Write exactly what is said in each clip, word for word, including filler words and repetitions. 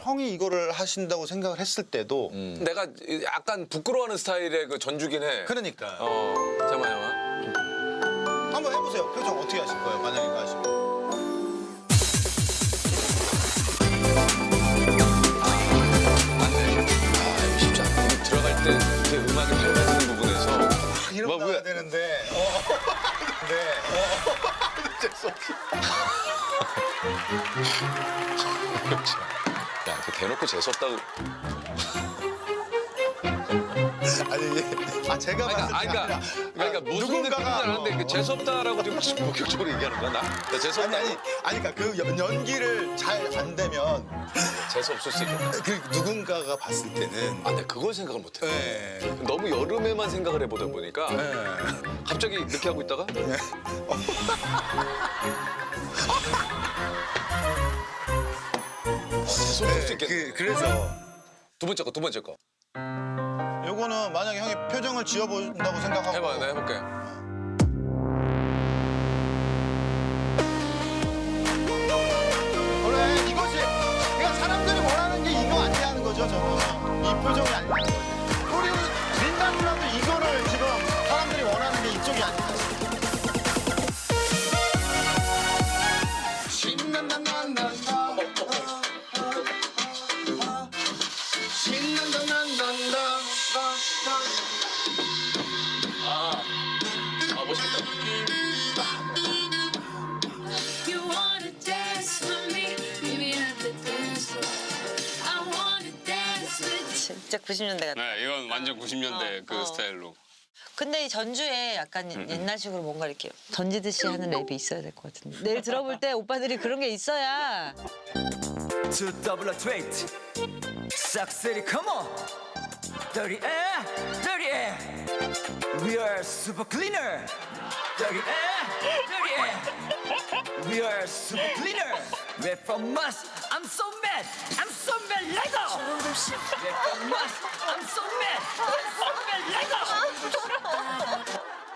형이 이거를 하신다고 생각을 했을 때도 음. 내가 약간 부끄러워하는 스타일의 그 전주긴 해. 그러니까 어, 잠깐만, 잠깐만. 한번 해보세요. 표정 어떻게 하실 거예요? 만약에 이거 하시면. 아, 쉽지 않아. 들어갈 때 이렇게 음악이 밝아지는 부분에서 이런 뭐, 거 나와야 왜? 되는데. 어. 네. 어. 재수없이. 야, 그 대놓고 재수없다고. 아니 이게 아 제가 그러니까, 봤을 때 아니, 그러니까, 아니라 그러니까 무슨 느낌인지 누군가가 아는데 어, 그 재수없다라고 지금 본격적으로 얘기하는 거야, 나? 나 아니 재수없다. 아니 아니 그러니까 그 연- 연기를 잘 안 되면 재수없을 수 있겠다. 그 누군가가 봤을 때는 아, 내가 그걸 생각을 못해. 네. 너무 여름에만 생각을 해보다 보니까 네. 갑자기 이렇게 하고 있다가 재수없을 수 네, 있겠네. 그, 그래서 두 번째 거, 두 번째 거. 요거는 만약에 형이 표정을 지어본다고 생각하고 해봐, 내가 해볼게. 그래 이것이 그러니까 사람들이 원하는 게 이거 아니냐는 거죠 저는 이 표정이 아니라는 거죠 우리 린다 누나도 이거를 지금 사람들이 원하는 게 이쪽이 아니야 신난다 난다 신난다 난다 아, 멋있겠다. You wanna dance with me? Meet me at the dance floor. I wanna dance with you. 진짜 구십 년대 같아. 네, 이건 완전 구십 년대 어, 그 어. 스타일로. 근데 이 전주에 약간 옛날식으로 뭔가 이렇게 던지듯이 하는 랩이 있어야 될 것 같은데. 내일 들어볼 때 오빠들이 그런 게 있어야. Two double straight. 싹쓸이 come on. Dirty air, dirty air. We are super cleaner. Dirty air, dirty air. We are super cleaner. We're from us. I'm so mad. I'm so mad. Let go. We're from us. I'm so mad. I'm so mad. Let go.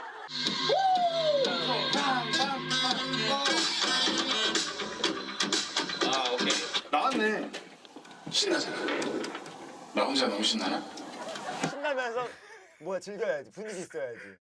아 오케이 나왔네 신나잖아 나 혼자 너무 신나나? 신나면서 뭐야 즐겨야지 분위기 있어야지.